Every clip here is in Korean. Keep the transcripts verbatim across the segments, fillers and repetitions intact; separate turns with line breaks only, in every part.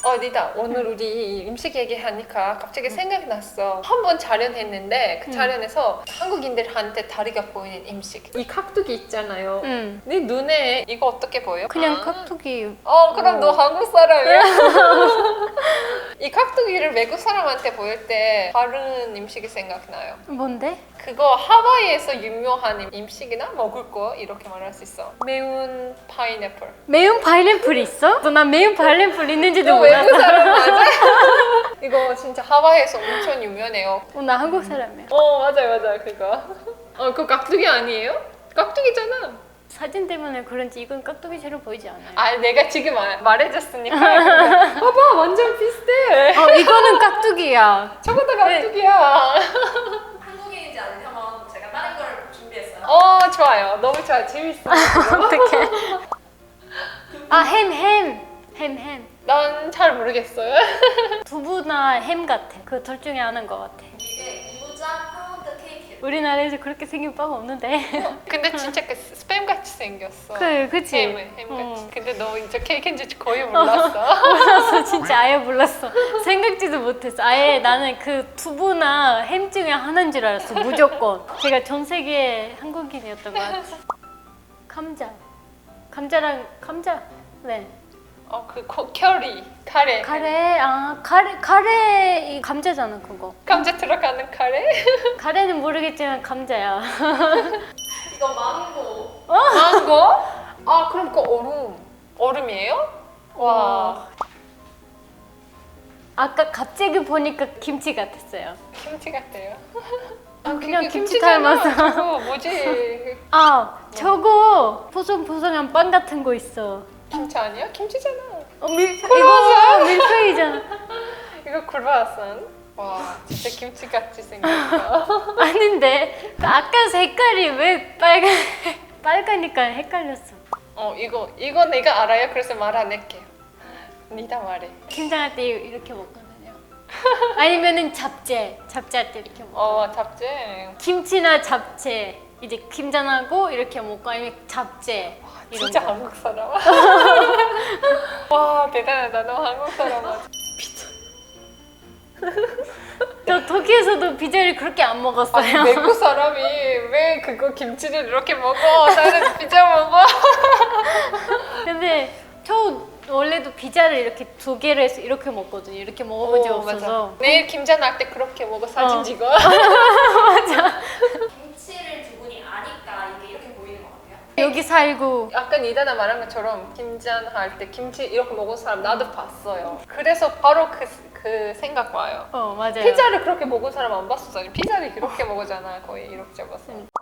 어디다 오늘 우리 음식 얘기하니까 갑자기 생각이 났어. 한 번 촬영했는데 그 촬영에서 한국인들한테 다리가 보이는 음식. 이 깍두기 있잖아요.
응.
네 눈에 이거 어떻게 보여?
그냥
아.
깍두기.
어 그럼
어.
너 한국 사람이야? 이 깍두기를 외국 사람한테 보일 때 다른 음식이 생각나요.
뭔데?
그거 하와이에서 유명한 음식이나 먹을 거 이렇게 말할 수 있어. 매운 파인애플.
매운 파인애플 있어? 난 매운 파인애플 있는지도
너 외국
몰랐어.
사람 맞아? 이거 진짜 하와이에서 엄청 유명해요.
어, 나 한국 사람이야.
어 맞아요 맞아요 그거. 어 그거 깍두기 아니에요? 깍두기잖아.
사진 때문에 그런지 이건 깍두기처럼 보이지 않아요.
아 내가 지금 말, 말해줬으니까. 봐봐 완전 비슷해.
어, 이거는 깍두기야.
저것도 깍두기야.
한국인인지 아닌지 한번 제가 다른 걸 준비했어요.
어 좋아요 너무 좋아 재밌어.
어떡해. 아, 햄, 햄. 햄, 햄.
난 잘 모르겠어요.
두부나 햄 같아. 그 둘 중에 하나인 것 같아.
이게 무장 파운드 케이크.
우리나라에서 그렇게 생긴 빵 없는데.
근데 진짜 그 스팸 같이 생겼어.
그, 그치?
햄, 햄 같이.
어.
근데 너 이제 케이크인 줄 거의 몰랐어.
몰랐어. 진짜 아예 몰랐어. 생각지도 못했어. 아예 나는 그 두부나 햄 중에 하나인 줄 알았어. 무조건. 제가 전 세계 한국인이었던 것 같아. 감자. 감자랑 감자. 네.
어, 그 코, 커리, 카레.
카레. 아, 카레. 카레 이 감자잖아, 그거.
감자 들어가는 카레?
카레는 모르겠지만 감자야.
이거 망고.
망고? 아, 그럼 그 얼음. 얼음이에요? 와,
아까 갑자기 보니까 김치 같았어요.
김치 같아요.
아, 그냥
그게
김치
김치잖아.
닮아서.
저거 뭐지?
아, 저거 포송포송한 빵 같은 거 있어.
김치 아니야? 김치잖아.
어, 밀,
크로와상.
이거 밀푀이잖아.
이거 크루아상. 와, 진짜 김치 같이 생겼어.
아닌데 아까 색깔이 왜 빨간 빨가니까 헷갈렸어.
어, 이거 이거 내가 알아요. 그래서 말 안 할게요. 니다 말해.
김장할 때 이렇게 먹거든요. 아니면은 잡채, 잡채할 때 이렇게 먹어.
어, 잡채.
김치나 잡채 이제 김장하고 이렇게 먹고 아니면 잡채. 이런
진짜
거.
한국 사람. 와 대단하다. 너 한국 사람 맞아.
저 터키에서도 피자를 그렇게 안 먹었어요.
아니 외국 사람이 왜 그거 김치를 이렇게 먹어? 나는 피자 먹어.
근데 저 원래도 피자를 이렇게 두 개를 해서 이렇게 먹거든요. 이렇게 먹어본 적
오,
없어서.
맞아. 내일 김장 할 때 그렇게 먹어 사진
어.
찍어.
김치를 두 분이 아니까 이게 이렇게 보이는 것 같아요.
여기 살고
아까 이다나 말한 것처럼 김장 할 때 김치 이렇게 먹은 사람 나도 봤어요. 그래서 바로 그, 그 생각 와요.
어 맞아요.
피자를 그렇게 먹은 사람 안 봤었잖아요. 피자를 그렇게 먹었잖아. 거의 이렇게 잡았어.
응.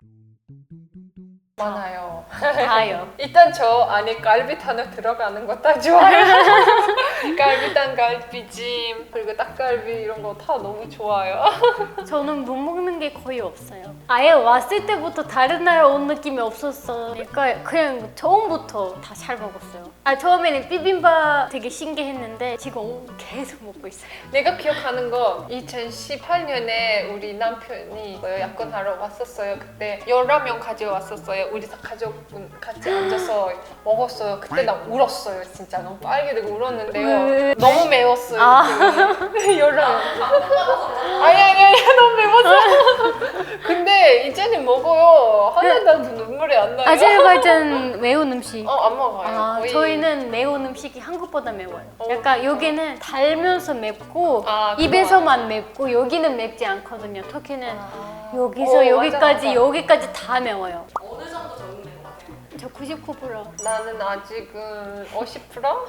많아요.
다요.
일단 저 안에 갈비탕을 들어가는 거 다 좋아요. 갈비탕, 갈비찜, 그리고 닭갈비 이런 거 다 너무 좋아요.
저는 못 먹는 게 거의 없어요. 아예 왔을 때부터 다른 나라 온 느낌이 없었어. 그러니까 그냥 처음부터 다 잘 먹었어요. 아 처음에는 비빔밥 되게 신기했는데 지금 계속 먹고 있어요.
내가 기억하는 거 이천십팔 년에 우리 남편이 약혼하러 왔었어요. 그때 열한 명 가져왔었어요. 우리 다 가족분 같이 앉아서 먹었어요. 그때 나 울었어요. 진짜 너무 빨개지고 울었는데요.
왜?
너무 매웠어요.
아.
열한 아니 아니 아니 너무 매웠어. 근데 이제는 먹어요. 하나도 눈물이 안 나요.
아제르바이잔 매운 음식.
어, 안 먹어요.
아,
거의.
저희는 매운 음식이 한국보다 매워요.
어,
약간 여기는 달면서 맵고
아,
입에서만 맵고 여기는 맵지 않거든요. 터키는
아.
여기서
어,
여기까지
맞아, 맞아.
여기까지 다 매워요.
어느 정도 적응된 것 같아요?
저 구십구 퍼센트.
나는 아직은 오십 퍼센트?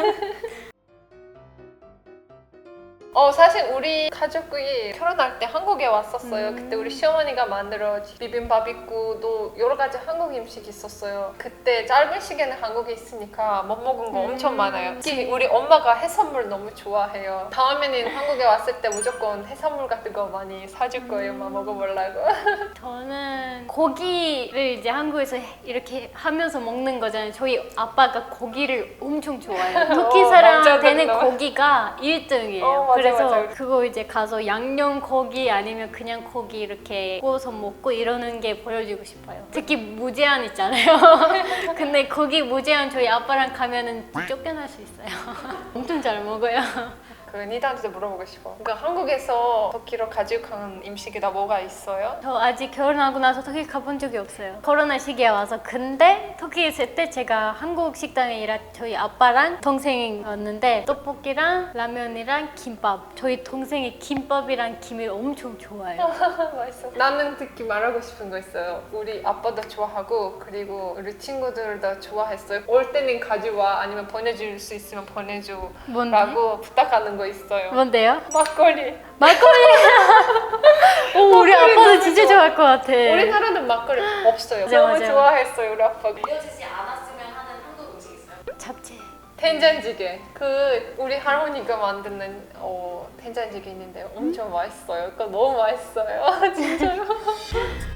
어 사실 우리 가족이 결혼할 때 한국에 왔었어요.
음.
그때 우리 시어머니가 만들어 비빔밥 있고 또 여러 가지 한국 음식 있었어요. 그때 짧은 시간에 한국에 있으니까 못 먹은 거
음.
엄청 많아요. 특히 우리 엄마가 해산물 너무 좋아해요. 다음에는 한국에 왔을 때 무조건 해산물 같은 거 많이 사줄 거예요. 막 먹어보려고.
저는 고기를 이제 한국에서 이렇게 하면서 먹는 거잖아요. 저희 아빠가 고기를 엄청 좋아해요. 터키
어,
사람한테는
남자들은
고기가 일 등이에요.
어, 맞아,
그래서
맞아.
그거 이제 가서 양념 고기 아니면 그냥 고기 이렇게 구워서 먹고 이러는 게 보여주고 싶어요. 특히 무제한 있잖아요. 근데 거기 무제한 저희 아빠랑 가면은 쫓겨날 수 있어요. 엄청 잘 먹어요.
그 니다한테 물어보고 싶어. 그러니까 한국에서 터키로 가지고 간 음식이 다 뭐가 있어요?
저 아직 결혼하고 나서 터키 가본 적이 없어요. 코로나 시기에 와서. 근데 터키에 있을 때 제가 한국 식당에 일할 저희 아빠랑 동생이 왔는데 떡볶이랑 라면이랑 김밥. 저희 동생이 김밥이랑 김을 엄청 좋아해요.
맛있어. 나는 특히 말하고 싶은 거 있어요. 우리 아빠도 좋아하고 그리고 우리 친구들도 좋아했어요. 올 때는 가져와 아니면 보내줄 수 있으면 보내줘라고
뭔데?
부탁하는 거 있어요.
뭔데요?
막걸리.
막걸리! 오, 우리
막걸리
아빠도
너무
진짜
좋아.
좋아할 것 같아.
우리나라는 막걸리 없어요.
맞아,
너무
맞아.
좋아했어요 우리 아빠가.
알려지지 않았으면 하는 한국 음식 있어요?
잡채.
된장찌개. 그 우리 할머니가 만드는 어, 된장찌개 있는데 엄청 맛있어요. 그거 너무 맛있어요. 진짜로.